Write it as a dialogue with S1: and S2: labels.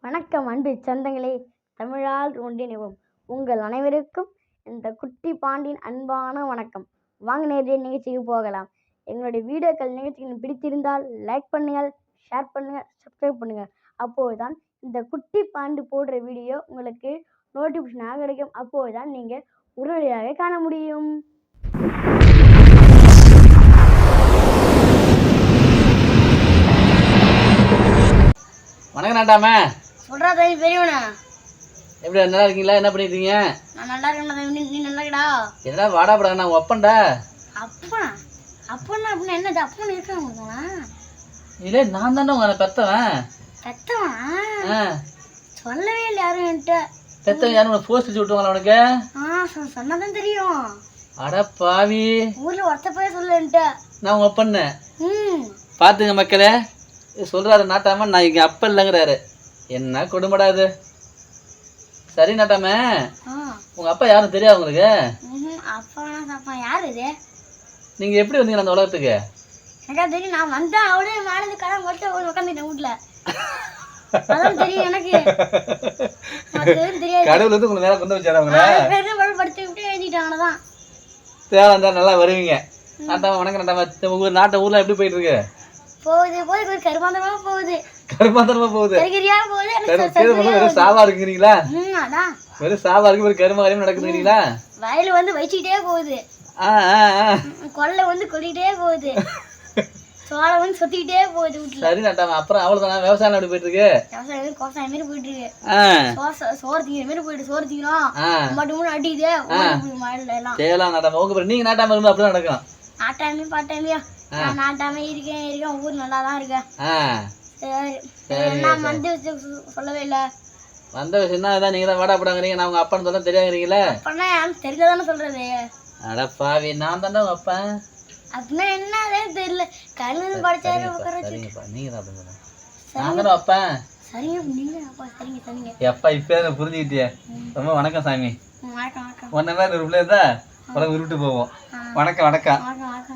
S1: வணக்கம் அன்பு சொந்தங்களே, தமிழால் ஒன்றிணைவோம். உங்கள் அனைவருக்கும் இந்த குட்டி பாண்டியின் அன்பான வணக்கம். வாங்க நேரடியாக நிகழ்ச்சிக்கு போகலாம். எங்களுடைய வீடியோக்கள் நிகழ்ச்சிகள் பிடித்திருந்தால் லைக் பண்ணுங்கள், ஷேர் பண்ணுங்கள், சப்ஸ்கிரைப் பண்ணுங்கள். அப்போதுதான் இந்த குட்டி பாண்டி போடுற வீடியோ உங்களுக்கு நோட்டிஃபிகேஷனாக கிடைக்கும். அப்போதுதான் நீங்கள் உடனடியாக காண முடியும்.
S2: வணக்கம் நாட்டாமே.
S1: சொல்றா தம்பி பெரியவனா,
S2: எப்படி நல்லா இருக்கீங்களா? என்ன பண்ணிருக்கீங்க?
S1: நான் நல்லா இருக்கேன். நீ நல்லா இருக்கடா?
S2: என்னடா வாடா படா, நான் ஒப்பன்டா.
S1: அப்பனா அப்பனா அப்படின்னா என்னது? அப்பன்னு இருக்காங்க
S2: இல்லை, நான் தானே உங்களை பெத்தவன்.
S1: பெத்தவன் சொல்லவே இல்லை யாரும் என்கிட்ட.
S2: பெத்தவன் யாரும் உனக்கு போஸ்ட் வச்சு விட்டுவாங்களா உனக்கு?
S1: சொன்னதான் தெரியும்.
S2: அட பாவி,
S1: ஊர்ல ஒருத்த போய் சொல்ல என்கிட்ட.
S2: நான் உங்க அப்பன்னு பாத்துங்க மக்களே. சொல்றாரு நாட்டாம, நான் இங்க அப்ப இல்லைங்கிறாரு. என்ன கொடுமடாது. சரி நாட்டாம, உங்க அப்பா யாரும் தெரியாது உங்களுக்கு?
S1: அப்பா யாரு இது?
S2: நீங்க எப்படி வந்தீங்க அந்த உலகத்துக்கு?
S1: எனக்கா தெரியும். நான் வந்தேன், அவளே மேலே கடன் மட்டும் உட்காந்துட்டேன் வீட்டுல. அதான் தெரியும் எனக்கு. தெரியாது.
S2: கடவுள் வந்து உங்களுக்கு மேல கொண்டு வச்சாரு. உங்களை
S1: படுத்து விட்டு எழுதிட்டாங்கதான்.
S2: தேவை இருந்தா நல்லா வருவீங்க. நாட்டாம வணக்கம் நாட்டாம. உங்க நாட்டு ஊர்ல எப்படி போயிட்டு இருக்கு?
S1: போகுது கருமாந்தரமா போகுது.
S2: கருமாந்தரமா போகுது.
S1: வெறும்
S2: சாவா இருக்குறீங்களா?
S1: அதான்
S2: வெறும் சாவா இருக்கு, ஒரு கருமாரியம் நடக்குதுங்களா?
S1: வயல் வந்து வச்சுக்கிட்டே போகுது, கொள்ளை வந்து கொல்லிட்டே போகுது, சோளம் வந்து சுத்திக்கிட்டே போகுது வீட்டுல.
S2: சரி நாட்டாம, அப்புறம் அவ்வளவுதானா? விவசாயம் எப்படி போயிட்டு இருக்கு?
S1: விவசாயம் கோசாயம் மாரி போயிட்டு இருக்கு. சோறு திங்கிற மாரி போயிட்டு, சோறு திங்கிறோம் மட்டும் மூணு அடிக்குது மழையில எல்லாம்.
S2: செய்யலாம் நாட்டாம. உங்க நீங்க நாட்டாம இருந்தா அப்படிதான் நடக்கும்.
S1: நாட்டாமே பாட்டாமையா? நான் நாட்டாமே இருக்கேன். ஊர் நல்லா தான் இருக்கேன். சரி, நான் வந்து சொல்லவே இல்லை.
S2: வந்த விஷயம் தான் இதான். நீங்க தான் வாடா படாங்கிறீங்க, நான் உங்க அப்பான்னு சொல்ல தெரியாங்கிறீங்களே.
S1: அப்பனா எனக்கு தெரிஞ்சதானே சொல்றது.
S2: அட பாவி, நான் தானே உங்க அப்பா.
S1: அப்படின்னா என்ன தெரியல. கல்வி படிச்சாரு.
S2: நீங்க தான் அப்படிங்க. நான் தானே அப்பா.
S1: சரிங்க, நீங்க அப்பா. சரிங்க சரிங்க.
S2: எப்பா இப்ப புரிஞ்சுக்கிட்டியே. ரொம்ப வணக்கம் சாமி.
S1: வணக்கம் வணக்கம்.
S2: ஒன்ன மாதிரி ஒரு பிள்ளை இருந்தா உலகம் உருவிட்டு போவோம். வணக்கம் வணக்கம்.